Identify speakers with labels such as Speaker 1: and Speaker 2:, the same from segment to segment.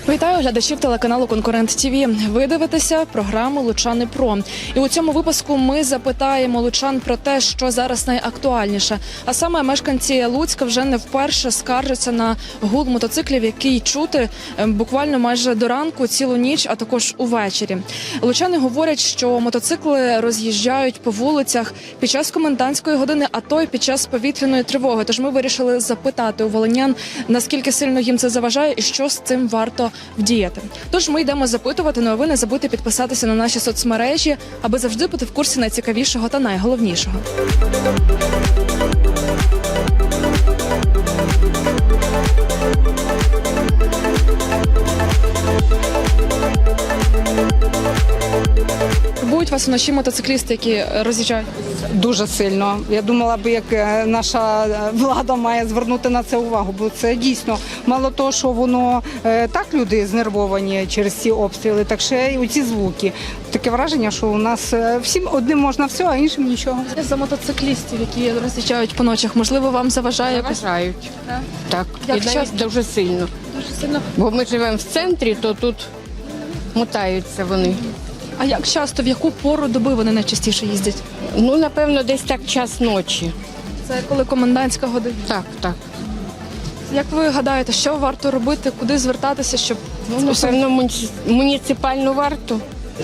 Speaker 1: Вітаю глядачів телеканалу «Конкурент ТВ». Ви дивитеся програму «Лучани Про». І у цьому випуску ми запитаємо лучан про те, що зараз найактуальніше. А саме мешканці Луцька вже не вперше скаржаться на гул мотоциклів, який чути буквально майже до ранку, цілу ніч, а також увечері. Лучани говорять, що мотоцикли роз'їжджають по вулицях під час комендантської години, а то й під час повітряної тривоги. Тож ми вирішили запитати у волинян, наскільки сильно їм це заважає і що з цим варто вдіяти. Тож ми йдемо запитувати, ну а ви не забудьте підписатися на наші соцмережі, аби завжди бути в курсі найцікавішого та найголовнішого. Турбують вас вночі мотоциклісти, які роз'їжджають?
Speaker 2: Дуже сильно. Я думала б, як наша влада має звернути на це увагу, бо це дійсно мало того, що воно так люди знервовані через ці обстріли, так ще й оці звуки. Таке враження, що у нас всім одним можна все, а іншим нічого.
Speaker 1: За мотоциклістів, які роз'їжджають по ночах, можливо, вам заважає?
Speaker 3: Заважають. Так,
Speaker 1: Як
Speaker 3: і навіть
Speaker 1: часто?
Speaker 3: дуже сильно.
Speaker 1: Дуже сильно.
Speaker 3: Бо ми живемо в центрі, то тут мотаються вони.
Speaker 1: А як часто, в яку пору доби вони найчастіше їздять?
Speaker 3: Ну, напевно, десь так час ночі.
Speaker 1: Це коли комендантська година.
Speaker 3: Так.
Speaker 1: Як ви гадаєте, що варто робити, куди звертатися, щоб
Speaker 3: Ну, напевно, муніципальну варту.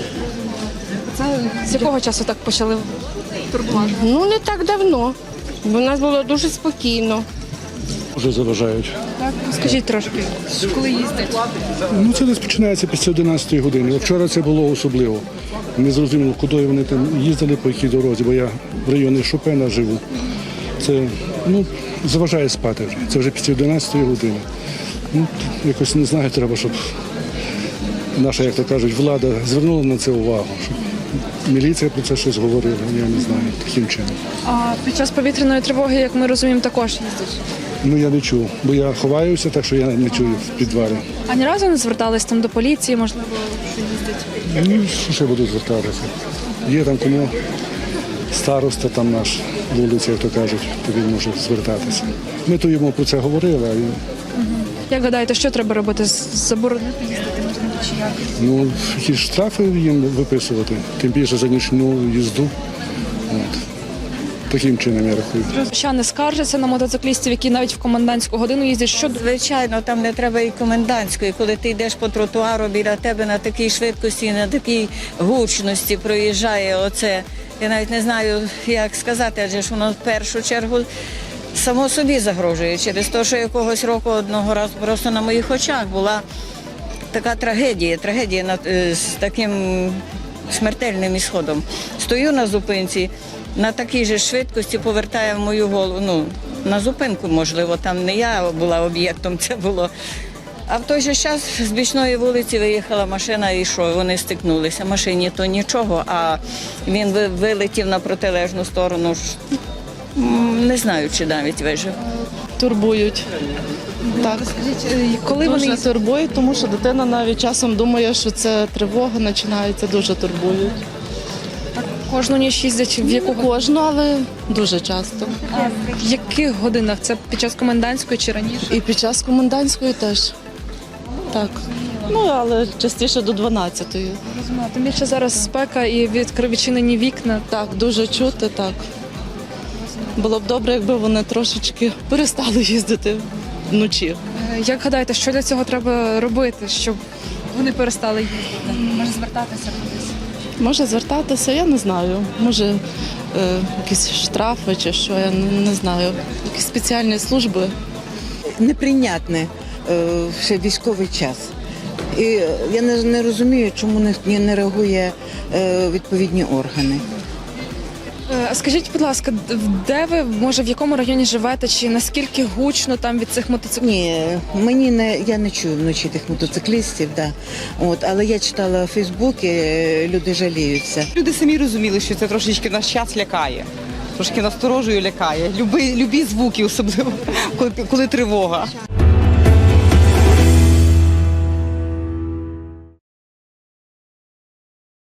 Speaker 1: це з якого часу так почали турбувати?
Speaker 3: Ну, не так давно. Бо у нас було дуже спокійно.
Speaker 4: Вже заважають.
Speaker 1: Так, скажіть трошки, коли їздять?
Speaker 4: Ну це десь починається після 11 години. Вчора це було особливо. Не зрозуміло, куди вони там їздили, по якій дорозі, бо я в районі Шопена живу. Це заважає спати вже. Це вже після 11 години. Якось не знаю, треба, щоб наша, як то кажуть, влада звернула на це увагу. Щоб міліція про це щось говорила, я не знаю, таким чином.
Speaker 1: А під час повітряної тривоги, як ми розуміємо, також їздять.
Speaker 4: Ну я не чув, бо я ховаюся, так що я не чую в підвалі.
Speaker 1: А ні разу не звертались там до поліції, можливо, що їздять?
Speaker 4: Ну, що ще буду звертатися? Є там кому староста там наш вулиця, як то кажуть, то він може звертатися. Ми то йому про це говорили, а він,
Speaker 1: Як гадаєте, що треба робити? Заборонити їздити, можливо, чи як?
Speaker 4: ну, якісь штрафи їм виписувати, тим більше за нічну їзду. От. Таким чином я рахую.
Speaker 1: Ще не скаржаться на мотоциклістів, які навіть в комендантську годину їздять. Що
Speaker 5: Звичайно, там не треба і комендантської, коли ти йдеш по тротуару, біля тебе на такій швидкості, на такій гучності проїжджає оце. Я навіть не знаю, як сказати, адже ж воно в першу чергу само собі загрожує. Через те, що якогось року одного разу просто на моїх очах була така трагедія з таким смертельним ісходом. Стою на зупинці, на такій же швидкості повертає в мою голову, ну, на зупинку, можливо, там не я була об'єктом, це було. А в той же час з бічної вулиці виїхала машина і що, вони стикнулися. Машині то нічого, а він вилетів на протилежну сторону, не знаю, чи навіть вижив.
Speaker 6: Турбують. Так,
Speaker 1: коли вони
Speaker 6: дуже турбують, тому що дитина навіть часом думає, що це тривога починається, дуже турбують.
Speaker 1: кожну ніч їздять, в яку
Speaker 6: Кожну, але дуже часто.
Speaker 1: в яких годинах? Це під час комендантської чи раніше?
Speaker 6: І під час комендантської теж. Так. Ну, але частіше до 12-ї.
Speaker 1: Тим більше зараз спека і відчинені вікна.
Speaker 6: Так, дуже чути, так. Було б добре, якби вони трошечки перестали їздити вночі.
Speaker 1: Як гадаєте, що для цього треба робити, щоб вони перестали їздити? Може звертатися кудись?
Speaker 6: Може звертатися, я не знаю. Може якісь штрафи чи що, я не знаю. Якісь спеціальні служби.
Speaker 7: Неприйнятне ще військовий час. І я не розумію, чому не реагує відповідні органи.
Speaker 1: Скажіть, будь ласка, де ви, може, в якому районі живете, чи наскільки гучно там від цих мотоциклів?
Speaker 7: Ні, я не чую вночі тих мотоциклістів, да. Але я читала у Фейсбуці, люди жаліються.
Speaker 2: Люди самі розуміли, що це трошечки наш час лякає. Трошки насторожує, лякає. Любі звуки, особливо, коли тривога.